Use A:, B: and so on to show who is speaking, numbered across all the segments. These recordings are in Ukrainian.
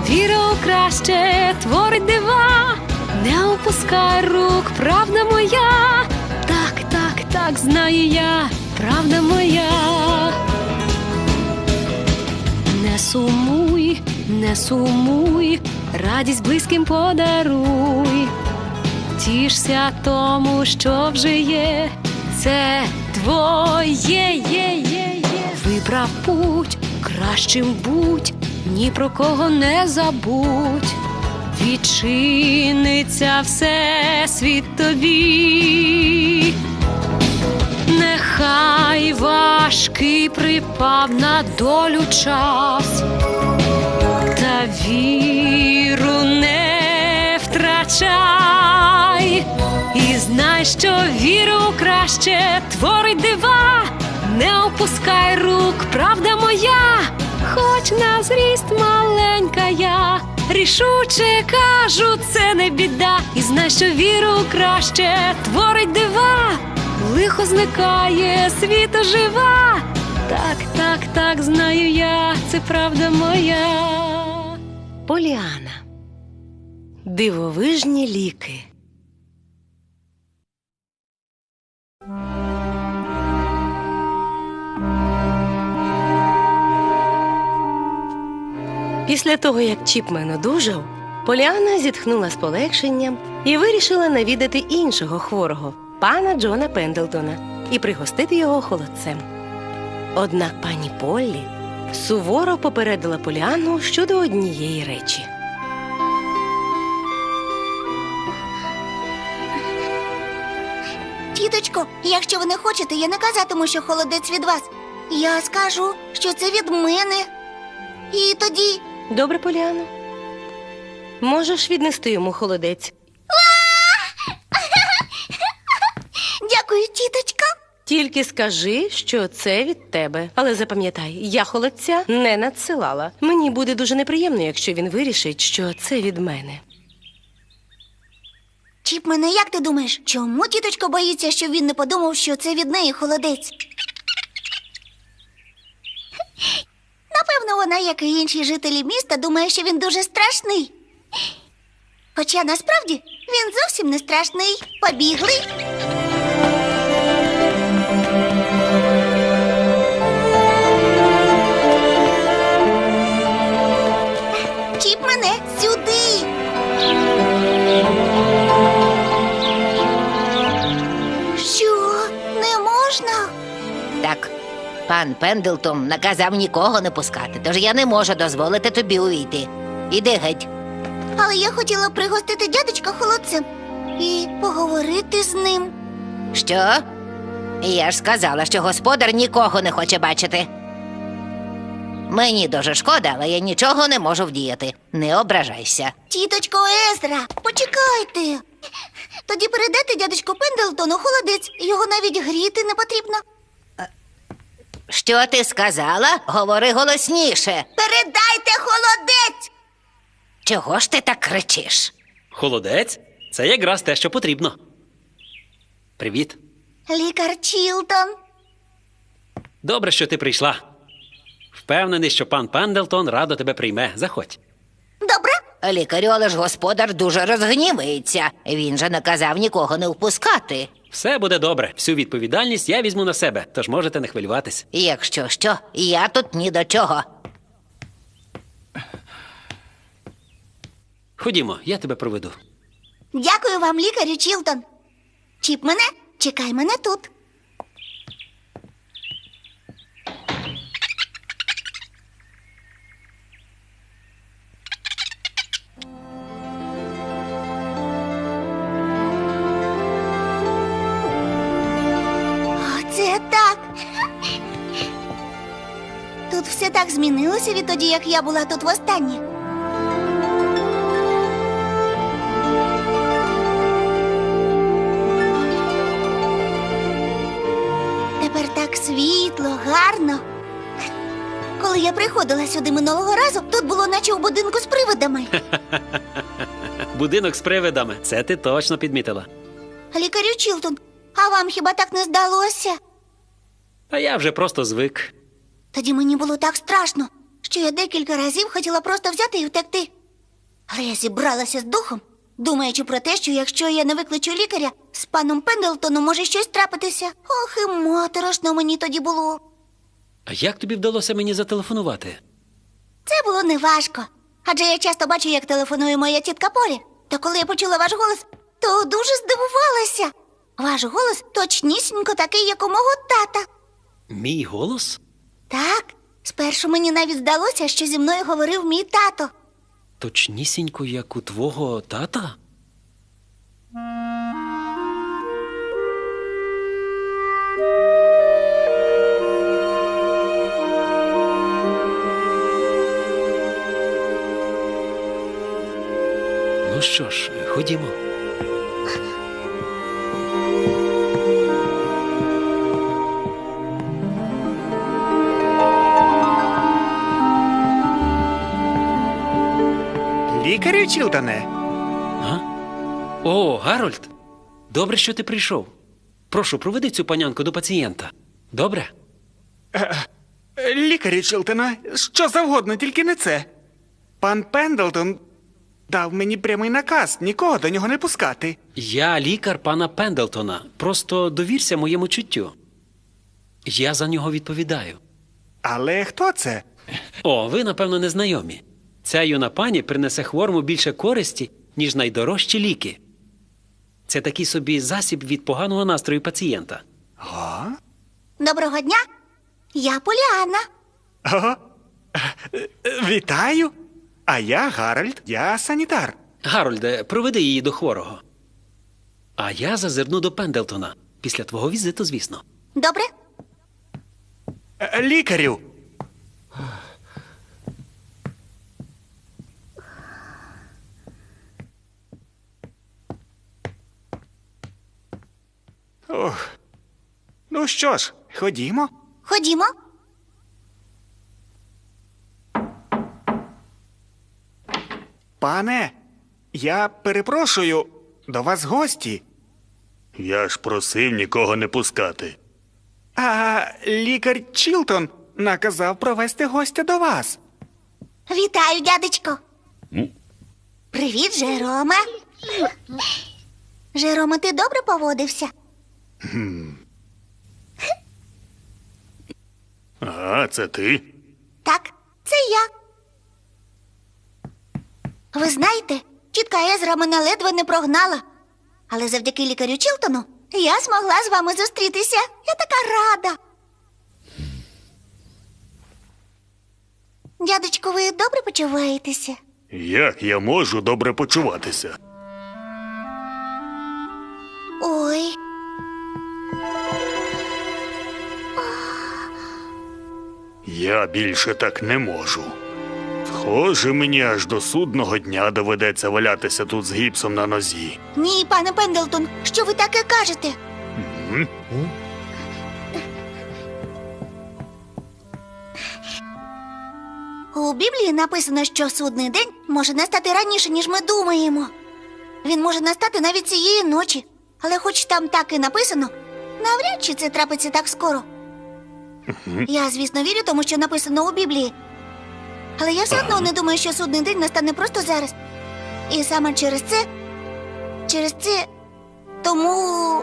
A: Віра у краще творить дива, не опускай рук, правда моя. Так, так, так, знаю я, правда моя. Не сумуй, не сумуй, радість близьким подаруй. Тішся тому, що вже є, це твоє, Вибрав путь, кращим будь, ні про кого не забудь. Відчиниться всесвіт тобі. Нехай важкий припав на долю час, та віру не втрачай. І знай, що віру у краще творить дива, не опускай рук, правда моя. Хоч на зріст маленька я, рішуче кажу, це не біда. І знай, що віру у краще творить дива, лихо зникає, світ ожива. Так, так, так, знаю я, це правда моя.
B: Поліана. Дивовижні ліки. Після того, як Чіпмен одужав, Поліана зітхнула з полегшенням і вирішила навідати іншого хворого, пана Джона Пендлтона, і пригостити його холодцем. Однак пані Поллі суворо попередила Поліану щодо однієї речі.
C: Тіточко, якщо ви не хочете, я не казатиму, що холодець від вас. Я скажу, що це від мене. І тоді...
B: Добре, Поліано. Можеш віднести йому холодець.
C: Дякую, тіточка.
B: Тільки скажи, що це від тебе. Але запам'ятай, я холодця не надсилала. Мені буде дуже неприємно, якщо він вирішить, що це від мене.
C: Чіпмене, як ти думаєш, чому тіточка боїться, щоб він не подумав, що це від неї холодець? Напевно, вона, як і інші жителі міста, думає, що він дуже страшний. Хоча насправді він зовсім не страшний. Побігли. Чіпмене, сюди. Що? Не можна?
D: Так, пан Пендлтон наказав нікого не пускати, тож я не можу дозволити тобі увійти. Іди геть.
C: Але я хотіла пригостити дядечка холодцем і поговорити з ним.
D: Що? Я ж сказала, що господар нікого не хоче бачити. Мені дуже шкода, але я нічого не можу вдіяти. Не ображайся.
C: Тіточко Езра, почекайте. Тоді передайте дядечку Пендлтону холодець, його навіть гріти не потрібно.
D: Що ти сказала? Говори голосніше.
C: Передайте холодець!
D: Чого ж ти так кричиш?
E: Холодець? Це якраз те, що потрібно. Привіт.
C: Лікар Чілтон.
E: Добре, що ти прийшла. Впевнений, що пан Пендлтон радо тебе прийме. Заходь.
C: Добре?
D: Лікарю, але ж господар дуже розгнівається. Він же наказав нікого не впускати.
E: Все буде добре. Всю відповідальність я візьму на себе, тож можете не хвилюватись.
D: Якщо що, я тут ні до чого.
E: Ходімо, я тебе проведу.
C: Дякую вам, лікарю Чілтон. Чіпмене, чекай мене тут. Оце так. Тут все так змінилося відтоді, як я була тут востаннє. Тепер так світло, гарно. Коли я приходила сюди минулого разу, тут було наче у будинку з привидами.
E: Будинок з привидами. Це ти точно підмітила.
C: Лікарю Чілтон, а вам хіба так не здалося?
E: А я вже просто звик.
C: Тоді мені було так страшно, що я декілька разів хотіла просто взяти і втекти. Але я зібралася з духом, думаючи про те, що якщо я не викличу лікаря, з паном Пендлтоном може щось трапитися. Ох, і моторошно мені тоді було.
E: А як тобі вдалося мені зателефонувати?
C: Це було неважко. Адже я часто бачу, як телефонує моя тітка Полі. Та коли я почула ваш голос, то дуже здивувалася. Ваш голос точнісінько такий, як у мого тата.
E: Мій голос?
C: Так, спершу мені навіть здалося, що зі мною говорив мій тато.
E: Точнісінько, як у твого тата? Ну що ж, ходімо.
F: Лікарю, Чілтоне?
E: А? О, Гарольд! Добре, що ти прийшов. Прошу, проведи цю панянку до пацієнта. Добре?
F: Лікарю, Чілтоне, що завгодно, тільки не це. Пан Пендлтон дав мені прямий наказ нікого до нього не пускати.
E: Я лікар пана Пендлтона. Просто довірся моєму чуттю. Я за нього відповідаю.
F: Але хто це?
E: О, ви, напевно, не знайомі. Ця юна пані принесе хворому більше користі, ніж найдорожчі ліки. Це такий собі засіб від поганого настрою пацієнта.
C: Доброго дня, я Поліанна.
F: О, вітаю. А я Гарольд, я санітар.
E: Гарольде, проведи її до хворого. А я зазирну до Пендлтона. Після твого візиту, звісно.
C: Добре?
F: Лікарю. Ох. Ну що ж, ходімо.
C: Ходімо.
F: Пане, я перепрошую, до вас гості.
G: Я ж просив нікого не пускати.
F: А лікар Чілтон наказав провести гостя до вас.
C: Вітаю, дядечко. Привіт, Жероме. Жероме, ти добре поводився?
G: Ага, це ти?
C: Так, це я. Ви знаєте, тітка Езра мене ледве не прогнала. Але завдяки лікарю Чілтону я змогла з вами зустрітися. Я така рада. Дядечко, ви добре почуваєтеся?
G: Як я можу добре почуватися?
C: Ой.
G: Я більше так не можу. Схоже, мені аж до судного дня доведеться валятися тут з гіпсом на нозі.
C: Ні, пане Пендлтон, що ви таке кажете? У Біблії написано, що судний день може настати раніше, ніж ми думаємо. Він може настати навіть цієї ночі. Але хоч там так і написано, навряд чи це трапиться так скоро. Я, звісно, вірю тому, що написано у Біблії. Але я все одно не думаю, що судний день настане просто зараз. І саме через це, тому,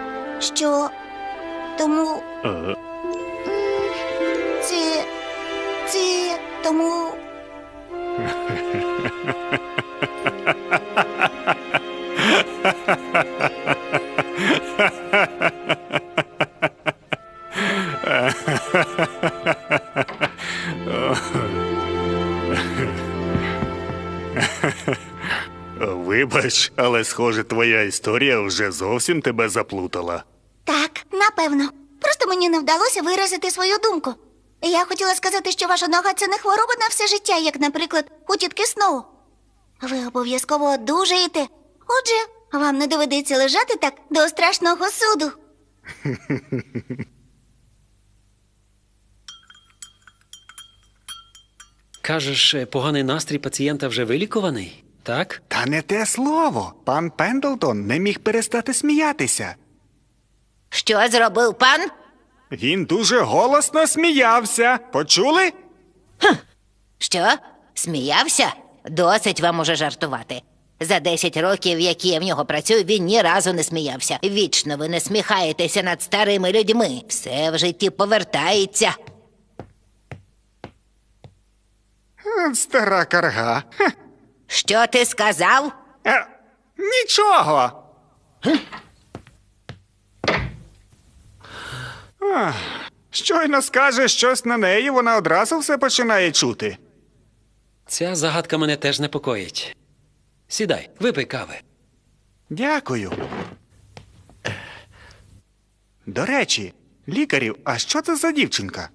C: тому...
G: Вибач, але схоже, твоя історія вже зовсім тебе заплутала.
C: Так, напевно. Просто мені не вдалося виразити свою думку. Я хотіла сказати, що ваша нога – це не хвороба на все життя, як, наприклад, у тітки Сноу. Ви обов'язково одужаєте. Отже, вам не доведеться лежати так до страшного суду.
E: Кажеш, поганий настрій пацієнта вже вилікуваний? Так?
F: Та не те слово. Пан Пендлтон не міг перестати сміятися.
D: Що зробив пан?
F: Він дуже голосно сміявся. Почули?
D: Що? Сміявся? Досить вам уже жартувати. За 10 років, які я в нього працюю, він ні разу не сміявся. Вічно ви не сміхаєтеся над старими людьми. Все в житті повертається.
F: Стара карга. Хе.
D: Що ти сказав?
F: Нічого. Ах, щойно скаже щось на неї, вона одразу все починає чути.
E: Ця загадка мене теж непокоїть. Сідай, випий кави.
F: Дякую. До речі, лікарю, а що це за дівчинка?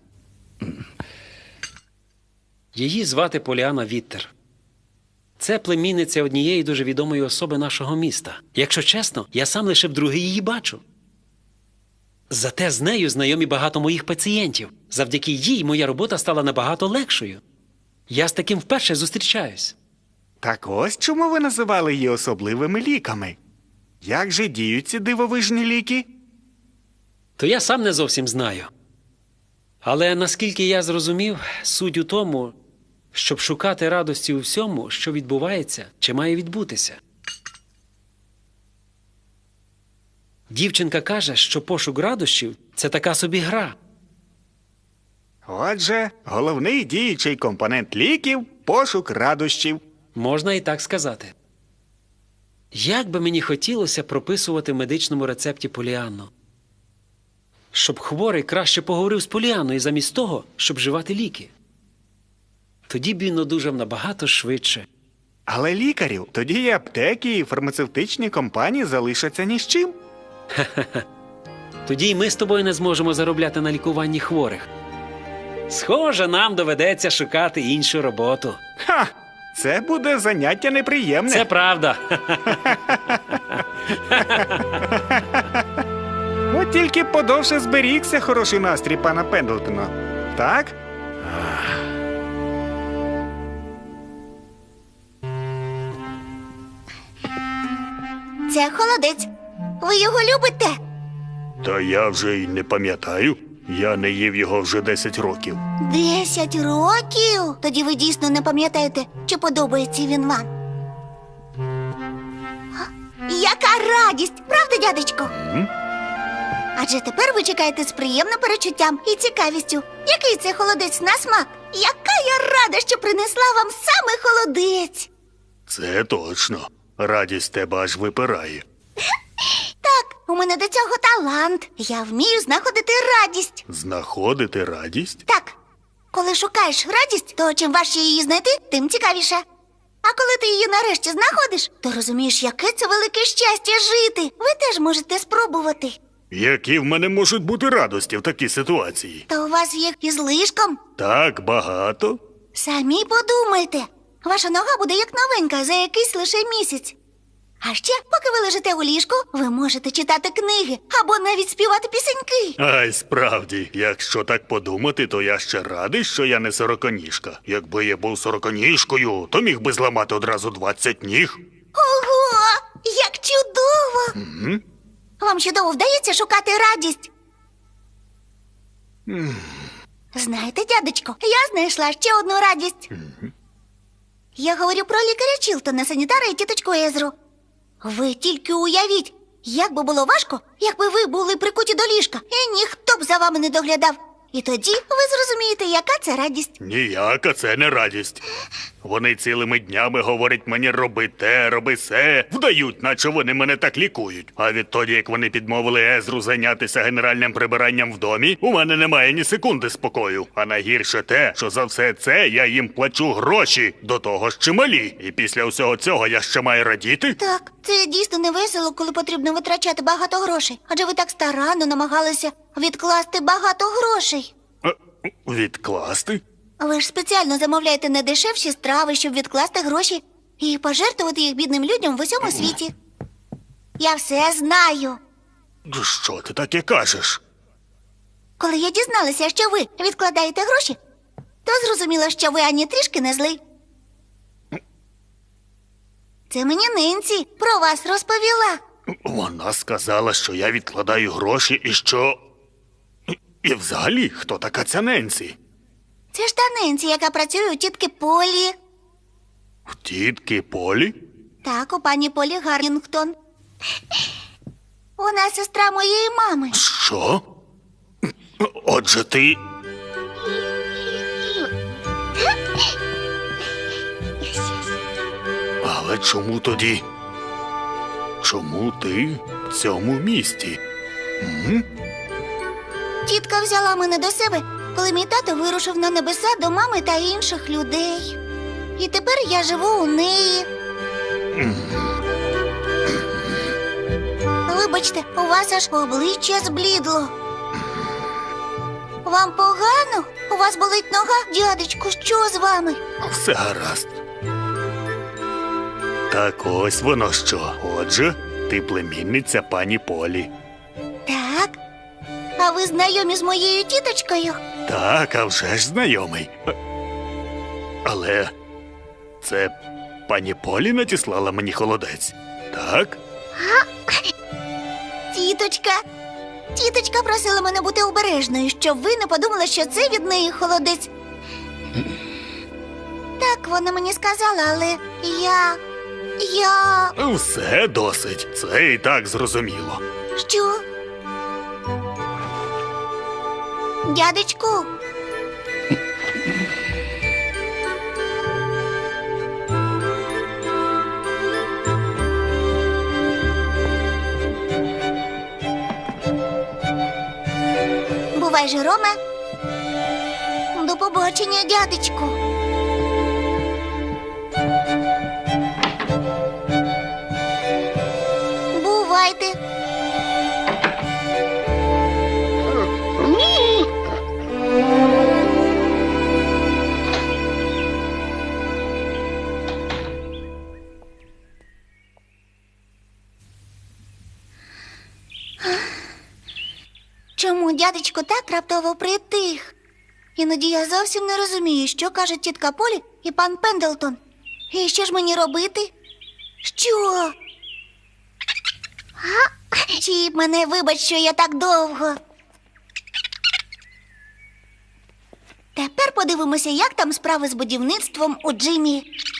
E: Її звати Поліана Віттер. Це племінниця однієї дуже відомої особи нашого міста. Якщо чесно, я сам лише вдруге її бачу. Зате з нею знайомі багато моїх пацієнтів. Завдяки їй моя робота стала набагато легшою. Я з таким вперше зустрічаюсь.
F: Так ось чому ви називали її особливими ліками. Як же діють ці дивовижні ліки?
E: То я сам не зовсім знаю. Але наскільки я зрозумів, суть у тому, щоб шукати радості у всьому, що відбувається чи має відбутися. Дівчинка каже, що пошук радощів – це така собі гра.
F: Отже, головний діючий компонент ліків – пошук радощів.
E: Можна і так сказати. Як би мені хотілося прописувати в медичному рецепті Поліанну. Щоб хворий краще поговорив з Поліанною замість того, щоб вживати ліки. Тоді б він одужав набагато швидше.
F: Але лікарю, тоді і аптеки, і фармацевтичні компанії залишаться ні з чим.
E: Тоді й ми з тобою не зможемо заробляти на лікуванні хворих. Схоже, нам доведеться шукати іншу роботу.
F: Ха! Це буде заняття неприємне.
E: Це правда.
F: От тільки подовше зберігся хороший настрій пана Пендлтона. Так?
C: Це холодець. Ви його любите?
G: Та я вже й не пам'ятаю. Я не їв його вже 10 років.
C: 10 років? Тоді ви дійсно не пам'ятаєте, чи подобається він вам. Яка радість, правда, дядечко? Адже тепер ви чекаєте з приємним перечуттям і цікавістю. Який це холодець на смак? Яка я рада, що принесла вам саме холодець.
G: Це точно. Радість тебе аж випирає.
C: Так, у мене до цього талант. Я вмію знаходити радість.
G: Знаходити радість?
C: Так, коли шукаєш радість, то чим важче її знайти, тим цікавіше. А коли ти її нарешті знаходиш, то розумієш, яке це велике щастя жити. Ви теж можете спробувати.
G: Які в мене можуть бути радості в такій ситуації?
C: Та у вас їх із лишком.
G: Так багато?
C: Самі подумайте. Ваша нога буде як новенька за якийсь лише місяць. А ще, поки ви лежите у ліжку, ви можете читати книги або навіть співати пісеньки.
G: Ай, справді, якщо так подумати, то я ще радий, що я не сороконіжка. Якби я був сороконіжкою, то міг би зламати одразу 20 ніг.
C: Ого! Як чудово! Вам чудово вдається шукати радість. Знаєте, дядечко, я знайшла ще одну радість. Я говорю про лікаря Чілтона, санітара і тіточку Езру. Ви тільки уявіть, як би було важко, якби ви були прикуті до ліжка, і ніхто б за вами не доглядав. І тоді ви зрозумієте, яка це радість.
G: Ніяка це не радість. Вони цілими днями говорять мені роби те, роби се, вдають, наче вони мене так лікують. А відтоді, як вони підмовили Езру зайнятися генеральним прибиранням в домі, у мене немає ні секунди спокою. А найгірше те, що за все це я їм плачу гроші, до того ж чималі. І після усього цього я ще маю радіти?
C: Так, це дійсно не весело, коли потрібно витрачати багато грошей. Адже ви так старанно намагалися відкласти багато грошей.
G: Відкласти?
C: Ви ж спеціально замовляєте недешевші страви, щоб відкласти гроші і пожертвувати їх бідним людям в усьому світі. Я все знаю.
G: Що ти таке кажеш?
C: Коли я дізналася, що ви відкладаєте гроші, то зрозуміла, що ви ані трішки не злий. Це мені Ненсі про вас розповіла.
G: Вона сказала, що я відкладаю гроші і що... І взагалі, хто така ця Ненсі?
C: Це ж та Ненсі, яка працює у тітки Полі.
G: В тітки Полі?
C: Так, у пані Полі Гаррінгтон. Вона сестра моєї мами.
G: Що? Отже, ти. Але чому тоді? Чому ти в цьому місті?
C: Тітка взяла мене до себе, коли мій тато вирушив на небеса до мами та інших людей. І тепер я живу у неї. Вибачте, у вас аж обличчя зблідло. Вам погано? У вас болить нога? Дядечку, що з вами?
G: Все гаразд. Так ось воно що. Отже, ти племінниця пані Полі.
C: Так. А ви знайомі з моєю тіточкою?
G: Так, а вже ж знайомий. Але це пані Полі надіслала мені холодець, так?
C: Тіточка просила мене бути обережною, щоб ви не подумали, що це від неї холодець. Так, вона мені сказала, але я...
G: Все досить. Це і так зрозуміло.
C: Що? Дядечку? Бувай, Жероме. До побачення, дядечку. Бувайте. Чому дядечко так раптово притих? Іноді я зовсім не розумію, що кажуть тітка Полі і пан Пендлтон. І що ж мені робити? Що? Чіп, мене вибач, що я так довго. Тепер подивимося, як там справи з будівництвом у Джиммі.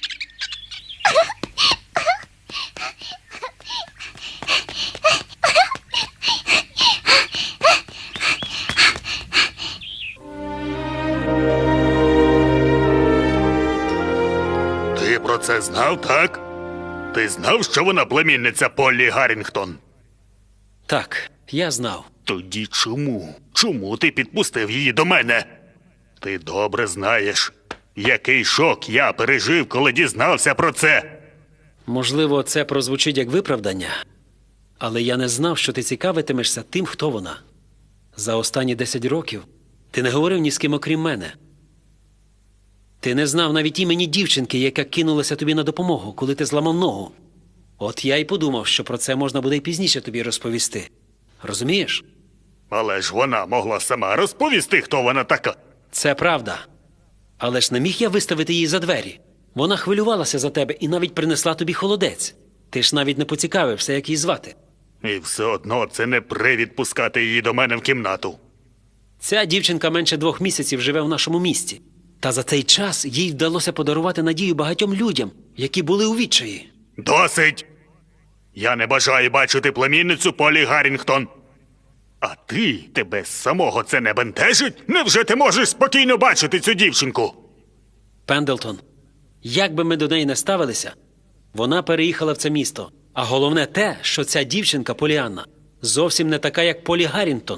G: Ти про це знав, так? Ти знав, що вона племінниця Полі Гаррінгтон?
E: Так, я знав.
G: Тоді чому? Чому ти підпустив її до мене? Ти добре знаєш, який шок я пережив, коли дізнався про це.
E: Можливо, це прозвучить як виправдання, але я не знав, що ти цікавитимешся тим, хто вона. За останні 10 років ти не говорив ні з ким, окрім мене. Ти не знав навіть імені дівчинки, яка кинулася тобі на допомогу, коли ти зламав ногу. От я й подумав, що про це можна буде й пізніше тобі розповісти. Розумієш?
G: Але ж вона могла сама розповісти, хто вона така.
E: Це правда. Але ж не міг я виставити її за двері. Вона хвилювалася за тебе і навіть принесла тобі холодець. Ти ж навіть не поцікавився, як її звати.
G: І все одно це не привід пускати її до мене в кімнату.
E: Ця дівчинка менше 2 місяців живе в нашому місті. Та за цей час їй вдалося подарувати надію багатьом людям, які були у відчаї.
G: Досить! Я не бажаю бачити племінницю Полі Гаррінгтон. А тебе самого це не бентежить? Невже ти можеш спокійно бачити цю дівчинку?
E: Пендлтон, як би ми до неї не ставилися, вона переїхала в це місто. А головне те, що ця дівчинка, Поліанна, зовсім не така, як Полі Гаррінгтон.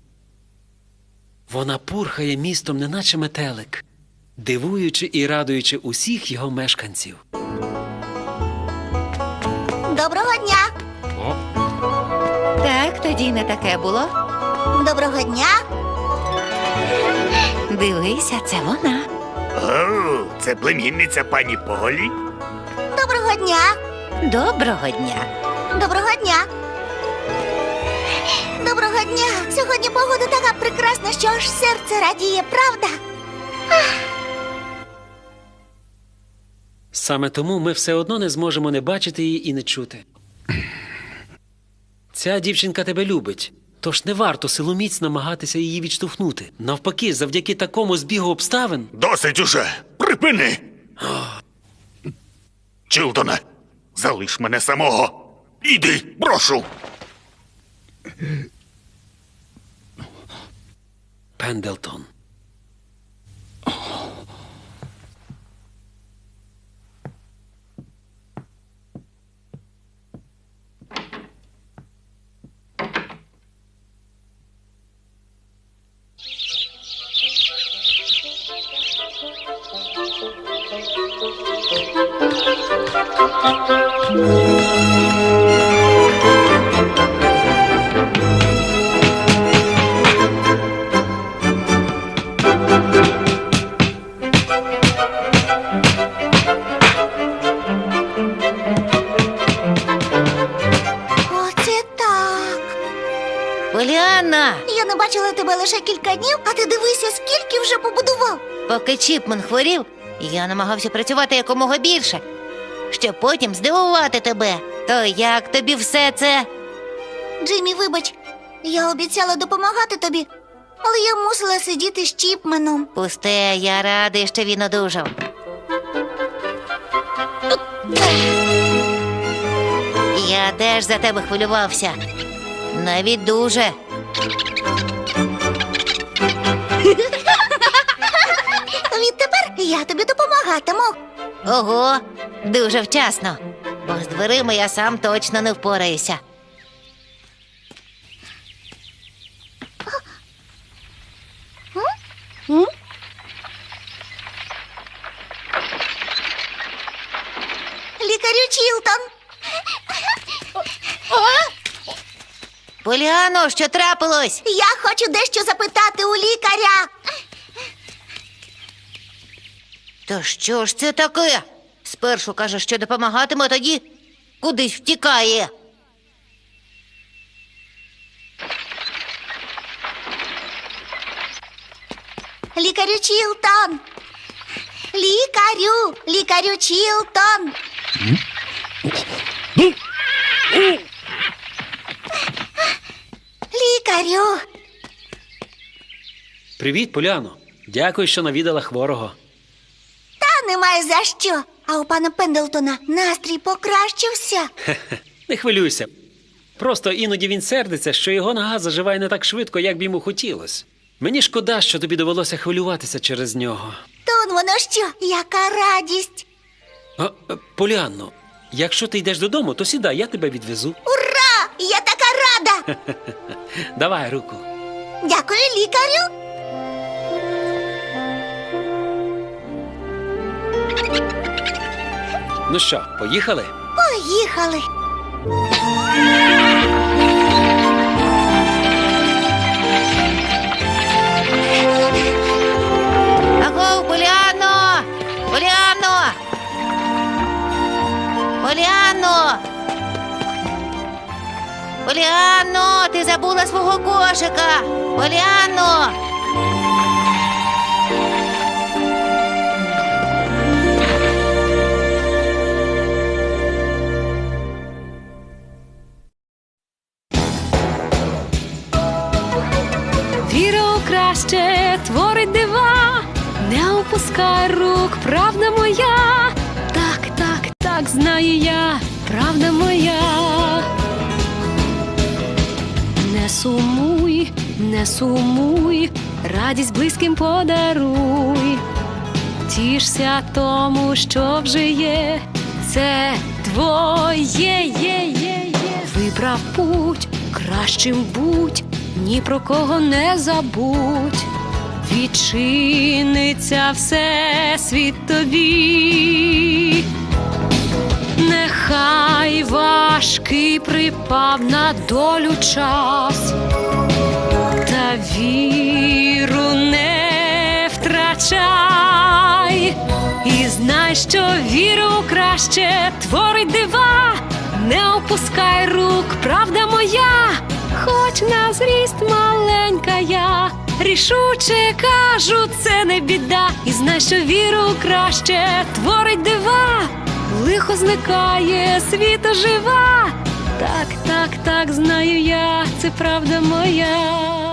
E: Вона пурхає містом, неначе метелик, дивуючи і радуючи усіх його мешканців.
C: Доброго дня!
D: Так, тоді не таке було.
C: Доброго дня!
D: Дивися, це вона.
G: О, це племінниця пані Полі?
C: Доброго дня!
D: Доброго дня.
C: Доброго дня! Доброго дня! Сьогодні погода така прекрасна, що аж серце радіє, правда?
E: Саме тому ми все одно не зможемо не бачити її і не чути. Ця дівчинка тебе любить, тож не варто силоміць намагатися її відштовхнути. Навпаки, завдяки такому збігу обставин...
G: Досить уже! Припини! Чилтоне, залиш мене самого. Іди, прошу.
E: Пендлтон.
C: Оце так.
D: Поліанна!
C: Я не бачила тебе лише кілька днів, а ти дивися, скільки вже побудував.
D: Поки Чіпмен хворів, я намагався працювати якомога більше, щоб потім здивувати тебе. То як тобі все це?
C: Джиммі, вибач, я обіцяла допомагати тобі, але я мусила сидіти з Чіпменом.
D: Пусте, я радий, що він одужав. Я теж за тебе хвилювався. Навіть дуже.
C: Відтепер я тобі допомагатиму.
D: Ого, дуже вчасно. Бо з дверима я сам точно не впораюся.
C: Лікарю Чілтон.
D: Поліано, що трапилось?
C: Я хочу дещо запитати у лікаря.
D: То що ж це таке? Спершу каже, що допомагатиме, а тоді кудись втікає.
C: Лікарю Чілтон. Лікарю Чілтон. Лікарю.
E: Привіт, Поліано. Дякую, що навідала хворого.
C: Та немає за що. А у пана Пендлтона настрій покращився.
E: Не хвилюйся. Просто іноді він сердиться, що його нога заживає не так швидко, як б йому хотілося. Мені шкода, що тобі довелося хвилюватися через нього.
C: Тон воно що? Яка радість.
E: Поліанно, якщо ти йдеш додому, то сідай, я тебе відвезу.
C: Ура! Я така рада.
E: Давай руку.
C: Дякую, лікарю.
E: Ну що, поїхали?
C: Поїхали.
D: Аго, Поліано! Поліано! Поліано! Поліано, ти забула свого кошика! Поліано!
A: Віра у краще творить дива, не опускай рук, правда моя. Так, знаю я, правда моя. Не сумуй, радість близьким подаруй. Тішся тому, що вже є, це твоє. Вибрав путь, кращим будь, ні про кого не забудь. Відчиниться всесвіт тобі. Нехай важкий припав на долю час, та віру не втрачай. І знай, що віру краще творить дива, не опускай рук, правда моя. Хоч на зріст маленька я, рішуче кажу, це не біда. І знай, що віру краще творить дива, лихо зникає, світ ожива. Так, знаю я, це правда моя.